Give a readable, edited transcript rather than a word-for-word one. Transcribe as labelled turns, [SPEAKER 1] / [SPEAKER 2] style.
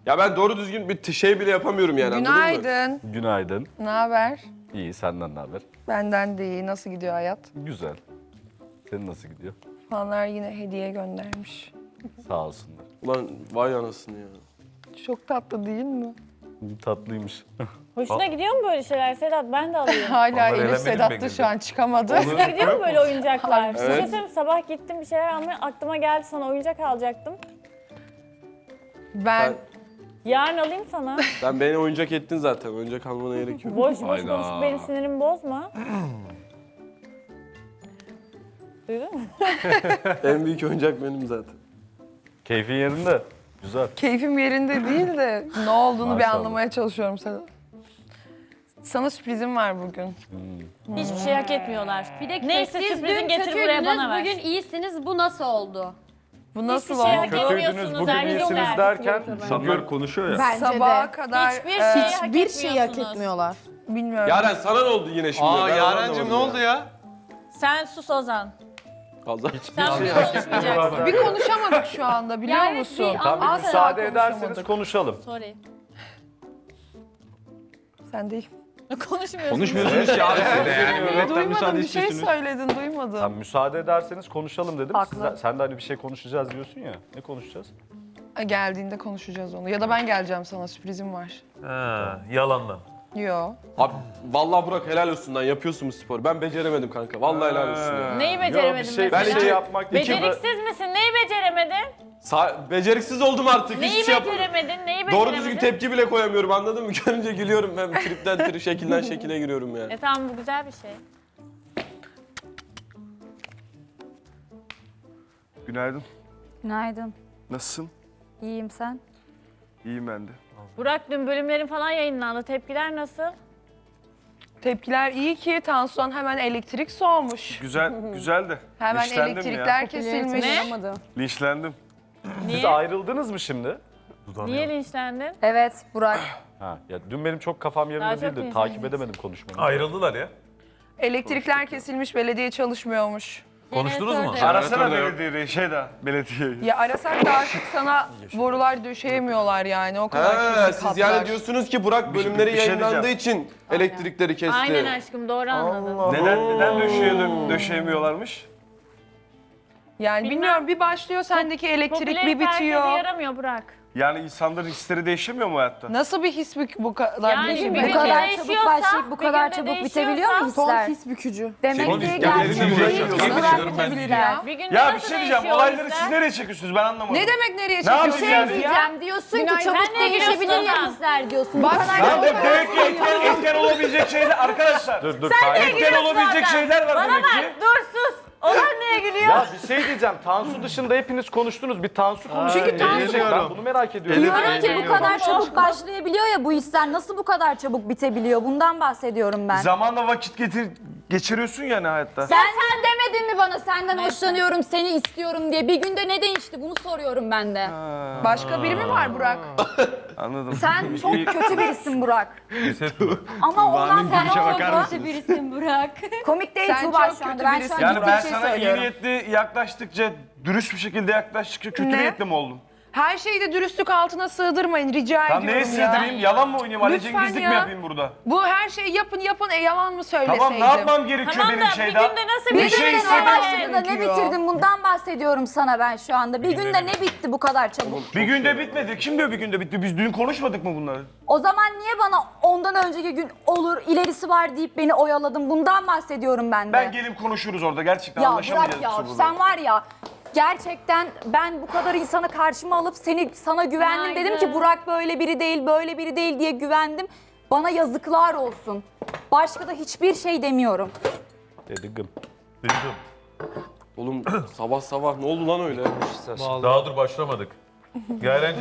[SPEAKER 1] Ya ben doğru düzgün bir şey bile yapamıyorum yani, anladın mı?
[SPEAKER 2] Günaydın.
[SPEAKER 3] Günaydın.
[SPEAKER 2] Ne haber?
[SPEAKER 3] İyi, senden ne haber?
[SPEAKER 2] Benden de iyi. Nasıl gidiyor hayat?
[SPEAKER 3] Güzel. Senin nasıl gidiyor?
[SPEAKER 2] Fanlar yine hediye göndermiş.
[SPEAKER 3] Sağ olsunlar.
[SPEAKER 1] Ulan vay anasını ya.
[SPEAKER 2] Çok tatlı değil mi?
[SPEAKER 3] Tatlıymış.
[SPEAKER 4] Hoşuna gidiyor mu böyle şeyler Sedat? Ben de alayım.
[SPEAKER 2] Hala
[SPEAKER 3] elemedim
[SPEAKER 2] Elif Sedat'tı
[SPEAKER 3] beni
[SPEAKER 2] şu an çıkamadı.
[SPEAKER 4] Hoşuna gidiyor mu böyle oyuncaklar? Bir şey
[SPEAKER 1] Evet.
[SPEAKER 4] söyleyeyim mi? Sabah gittim bir şeyler almaya, aklıma geldi sana oyuncak alacaktım.
[SPEAKER 2] Ben
[SPEAKER 4] Yarın alayım sana.
[SPEAKER 1] Sen beni oyuncak ettin zaten. Oyuncak almana gerek yok.
[SPEAKER 4] Boş boş
[SPEAKER 3] Hayda.
[SPEAKER 4] konuşup benim sinirimi bozma. Duydun mu?
[SPEAKER 1] En büyük oyuncak benim zaten.
[SPEAKER 3] Keyfin yerinde. Güzel.
[SPEAKER 2] keyfim yerinde değil de ne olduğunu bir
[SPEAKER 3] Maşallah.
[SPEAKER 2] anlamaya çalışıyorum Sedat. Sana sürprizim var bugün.
[SPEAKER 4] Hiçbir şey hak etmiyorlar.
[SPEAKER 5] Bir dakika,
[SPEAKER 4] Neyse,
[SPEAKER 5] siz
[SPEAKER 4] sürprizin
[SPEAKER 5] dün
[SPEAKER 4] getir buraya, bana ver.
[SPEAKER 5] bugün iyisiniz. Bu nasıl oldu?
[SPEAKER 2] Bu nasıl
[SPEAKER 4] Hiçbir şey
[SPEAKER 2] oldu?
[SPEAKER 4] hak
[SPEAKER 3] Kötüydünüz,
[SPEAKER 4] etmiyorsunuz.
[SPEAKER 3] bugün iyisiniz
[SPEAKER 4] erkekler.
[SPEAKER 3] derken insanlar konuşuyor ya.
[SPEAKER 6] Bence
[SPEAKER 2] Sabaha
[SPEAKER 6] de.
[SPEAKER 2] kadar
[SPEAKER 4] Hiçbir şey hak
[SPEAKER 6] Hiçbir şeyi hak
[SPEAKER 4] etmiyorsunuz.
[SPEAKER 6] etmiyorlar.
[SPEAKER 2] bilmiyorum.
[SPEAKER 1] Yaren sana ne oldu yine şimdi?
[SPEAKER 7] Aa
[SPEAKER 1] Ben
[SPEAKER 7] Yarencim ne
[SPEAKER 1] anlamadım
[SPEAKER 7] oldu ya?
[SPEAKER 4] Sen sus Ozan.
[SPEAKER 1] Allah.
[SPEAKER 4] Sen bugün konuşmayacaksın.
[SPEAKER 2] Bir konuşamadık şu anda biliyor
[SPEAKER 5] Yani
[SPEAKER 2] musun?
[SPEAKER 5] bir
[SPEAKER 3] Tam bir
[SPEAKER 2] Asla
[SPEAKER 3] müsaade ederseniz
[SPEAKER 2] konuşamadık.
[SPEAKER 3] konuşalım.
[SPEAKER 4] Sorry.
[SPEAKER 2] Sen değil.
[SPEAKER 4] Konuşmuyorsun.
[SPEAKER 7] Konuşmuyorsunuz ki abi siz de yani. Milletten
[SPEAKER 2] Duymadım,
[SPEAKER 7] müsaade
[SPEAKER 2] bir şey
[SPEAKER 7] istiyorsunuz.
[SPEAKER 2] söyledin, duymadım.
[SPEAKER 3] Sen müsaade ederseniz konuşalım dedim.
[SPEAKER 2] Haklı.
[SPEAKER 3] Sen de hani bir şey konuşacağız diyorsun ya. Ne konuşacağız?
[SPEAKER 2] Geldiğinde konuşacağız onu. Ya da ben geleceğim, sana sürprizim var.
[SPEAKER 7] Yalandan.
[SPEAKER 2] Yo.
[SPEAKER 1] Abi vallahi Burak helal olsun lan, yapıyorsun bu sporu. Ben beceremedim kanka. Vallahi helal olsun ya.
[SPEAKER 4] Neyi
[SPEAKER 3] Yo,
[SPEAKER 4] beceremedin
[SPEAKER 3] bir şey,
[SPEAKER 4] mesela?
[SPEAKER 3] bir şey yapmak
[SPEAKER 4] Beceriksiz misin? Neyi beceremedin?
[SPEAKER 1] Beceriksiz oldum artık.
[SPEAKER 4] Neyi
[SPEAKER 1] Hiçbir şey yap.
[SPEAKER 4] beceremedin? Neyi beceremedin?
[SPEAKER 1] Doğru düzgün tepki bile koyamıyorum, anladın mı? Görünce gülüyorum ben, tripten şekilden şekile giriyorum ya.
[SPEAKER 4] Tamam, bu güzel bir şey.
[SPEAKER 8] Günaydın.
[SPEAKER 5] Günaydın.
[SPEAKER 8] Nasılsın?
[SPEAKER 5] İyiyim sen?
[SPEAKER 8] İyiyim ben de.
[SPEAKER 4] Burak, dün bölümlerin falan yayınlandı. Tepkiler nasıl?
[SPEAKER 2] Tepkiler iyi ki Tansu'dan hemen elektrik soğumuş.
[SPEAKER 8] Güzel, güzel de.
[SPEAKER 2] Hemen
[SPEAKER 8] Linçlendim
[SPEAKER 2] elektrikler
[SPEAKER 8] ya.
[SPEAKER 2] kesilmiş.
[SPEAKER 8] Linçlendim.
[SPEAKER 3] Siz
[SPEAKER 4] Niye?
[SPEAKER 3] ayrıldınız mı şimdi?
[SPEAKER 4] Niye linçlendin?
[SPEAKER 5] Evet Burak.
[SPEAKER 3] Ha, ya dün benim çok kafam
[SPEAKER 4] Daha
[SPEAKER 3] yerinde
[SPEAKER 4] çok
[SPEAKER 3] değildi.
[SPEAKER 4] insan
[SPEAKER 3] Takip
[SPEAKER 4] geçti.
[SPEAKER 3] edemedim konuşmanızı.
[SPEAKER 7] Ayrıldılar ya.
[SPEAKER 2] Elektrikler kesilmiş, belediye çalışmıyormuş.
[SPEAKER 7] Konuştunuz mu?
[SPEAKER 8] Arasana belediyeyi, belediyeyi.
[SPEAKER 2] Ya arasak da artık sana borular döşeyemiyorlar yani. O kadar
[SPEAKER 1] Ha,
[SPEAKER 2] kesik
[SPEAKER 1] siz yani
[SPEAKER 2] hatlar.
[SPEAKER 1] diyorsunuz ki Burak bölümleri
[SPEAKER 8] bir şey
[SPEAKER 1] yayınlandığı
[SPEAKER 8] diyeceğim.
[SPEAKER 1] için elektrikleri kesti.
[SPEAKER 4] Aynen aşkım, doğru anladın.
[SPEAKER 8] Neden döşeyemiyorlarmış?
[SPEAKER 2] Yani
[SPEAKER 4] Bilmem.
[SPEAKER 2] bilmiyorum, bir başlıyor sendeki elektrik, bir
[SPEAKER 4] Popülerite
[SPEAKER 2] bitiyor.
[SPEAKER 4] herkese yaramıyor Burak.
[SPEAKER 8] Yani insanların hisleri değişemiyor mu hayatta?
[SPEAKER 2] Nasıl bir his bu kadar
[SPEAKER 4] Yani
[SPEAKER 2] değişim?
[SPEAKER 4] bir
[SPEAKER 5] Bu
[SPEAKER 4] günde
[SPEAKER 5] kadar
[SPEAKER 4] değişiyorsa,
[SPEAKER 5] çabuk başlayıp bu
[SPEAKER 4] bir
[SPEAKER 5] kadar
[SPEAKER 4] günde
[SPEAKER 5] çabuk bitebiliyor mu
[SPEAKER 4] değişiyorsa-
[SPEAKER 5] hisler?
[SPEAKER 6] bükücü.
[SPEAKER 5] Demek
[SPEAKER 7] Son
[SPEAKER 5] ki
[SPEAKER 7] hislerlerinle
[SPEAKER 5] gerçek
[SPEAKER 7] mi
[SPEAKER 5] değil.
[SPEAKER 7] uğraşıyorsun?
[SPEAKER 5] Hisler
[SPEAKER 7] Yemin ediyorum ben
[SPEAKER 5] bitebilirler.
[SPEAKER 4] Bir günde
[SPEAKER 8] Ya bir
[SPEAKER 4] nasıl
[SPEAKER 8] şey diyeceğim,
[SPEAKER 4] değişiyor
[SPEAKER 8] olayları
[SPEAKER 4] hisler?
[SPEAKER 8] siz nereye çekiyorsunuz ben anlamadım.
[SPEAKER 2] Ne demek nereye
[SPEAKER 8] Ne yapayım
[SPEAKER 2] çekiyorsun?
[SPEAKER 8] yani?
[SPEAKER 5] Diyeceğim diyorsun ki
[SPEAKER 2] Günaydın.
[SPEAKER 5] çabuk
[SPEAKER 4] Sen ne
[SPEAKER 5] değişebilir
[SPEAKER 4] gülüyorsun
[SPEAKER 5] ya
[SPEAKER 4] Ozan?
[SPEAKER 5] hisler diyorsun.
[SPEAKER 2] Bak,
[SPEAKER 5] Bu kadar
[SPEAKER 2] sen
[SPEAKER 5] çabuk
[SPEAKER 8] Demek ki etken olabilecek şeyler arkadaşlar.
[SPEAKER 3] Dur.
[SPEAKER 8] Etken olabilecek şeyler var
[SPEAKER 4] Bana
[SPEAKER 8] demek
[SPEAKER 4] bak,
[SPEAKER 8] ki.
[SPEAKER 4] dur sus. Ozan niye gülüyor?
[SPEAKER 3] Ya bir şey diyeceğim. Tansu dışında hepiniz konuştunuz. Bir Tansu konuşsun.
[SPEAKER 2] Çünkü Tansu-
[SPEAKER 3] Ben bunu merak ediyorum.
[SPEAKER 5] Diyorum ki bu kadar çabuk başlayabiliyor ya bu hisler. Nasıl bu kadar çabuk bitebiliyor? Bundan bahsediyorum ben.
[SPEAKER 8] Zamanla vakit geçiriyorsun yani hayatta.
[SPEAKER 5] Sen demedin mi bana senden hoşlanıyorum, seni istiyorum diye? Bir günde ne değişti? Bunu soruyorum ben de.
[SPEAKER 2] Başka biri mi var Burak?
[SPEAKER 8] Anladım.
[SPEAKER 5] Sen çok kötü birisin Burak. Ama ondan sonra kötü birisin Burak. Komik değil
[SPEAKER 2] Sen
[SPEAKER 5] Tuğba
[SPEAKER 2] çok
[SPEAKER 5] şu anda.
[SPEAKER 2] kötü
[SPEAKER 5] Ben
[SPEAKER 2] birisin.
[SPEAKER 5] şu an
[SPEAKER 8] Yani
[SPEAKER 5] ciddi
[SPEAKER 8] ben
[SPEAKER 5] bir şey
[SPEAKER 8] sana iyi
[SPEAKER 5] söylüyorum.
[SPEAKER 8] niyetli yaklaştıkça, dürüst bir şekilde yaklaştıkça kötü
[SPEAKER 2] Ne?
[SPEAKER 8] niyetli mi oldum?
[SPEAKER 2] Her şeyi de dürüstlük altına sığdırmayın, rica
[SPEAKER 8] Tam
[SPEAKER 2] ediyorum
[SPEAKER 8] neye
[SPEAKER 2] ya.
[SPEAKER 8] sığdırayım? Yalan mı oynayayım? Ali
[SPEAKER 2] Lütfen
[SPEAKER 8] Cengizlik
[SPEAKER 2] ya.
[SPEAKER 8] mi yapayım burada?
[SPEAKER 2] Bu her şeyi yapın, yalan mı söyleseydim?
[SPEAKER 8] Tamam ne yapmam gerekiyor
[SPEAKER 4] Tamam
[SPEAKER 8] benim
[SPEAKER 4] da bir
[SPEAKER 8] şeyden?
[SPEAKER 4] günde nasıl
[SPEAKER 8] Bir
[SPEAKER 5] Bir
[SPEAKER 4] bir
[SPEAKER 8] şey
[SPEAKER 5] günde ne
[SPEAKER 8] istedim.
[SPEAKER 5] başladı da ne
[SPEAKER 2] gerekiyor.
[SPEAKER 5] bitirdin? Bundan bahsediyorum sana ben şu anda. Bir günde ne bitti bu kadar çabuk?
[SPEAKER 8] Bir günde bitmedi. Kim diyor bir günde bitti? Biz dün konuşmadık mı bunları?
[SPEAKER 5] O zaman niye bana ondan önceki gün olur, ilerisi var deyip beni oyaladın? Bundan bahsediyorum ben de.
[SPEAKER 8] Ben gelip konuşuruz orada. Gerçekten
[SPEAKER 5] Ya
[SPEAKER 8] anlaşamayacağız.
[SPEAKER 5] bırak ya,
[SPEAKER 8] biz burada.
[SPEAKER 5] sen var ya gerçekten ben bu kadar insanı karşıma alıp sana güvendim. Dedim ki Burak böyle biri değil, böyle biri değil diye güvendim. Bana yazıklar olsun. Başka da hiçbir şey demiyorum.
[SPEAKER 3] Dedim.
[SPEAKER 1] Oğlum sabah sabah ne oldu lan öyle?
[SPEAKER 7] Daha dur başlamadık. Yarencim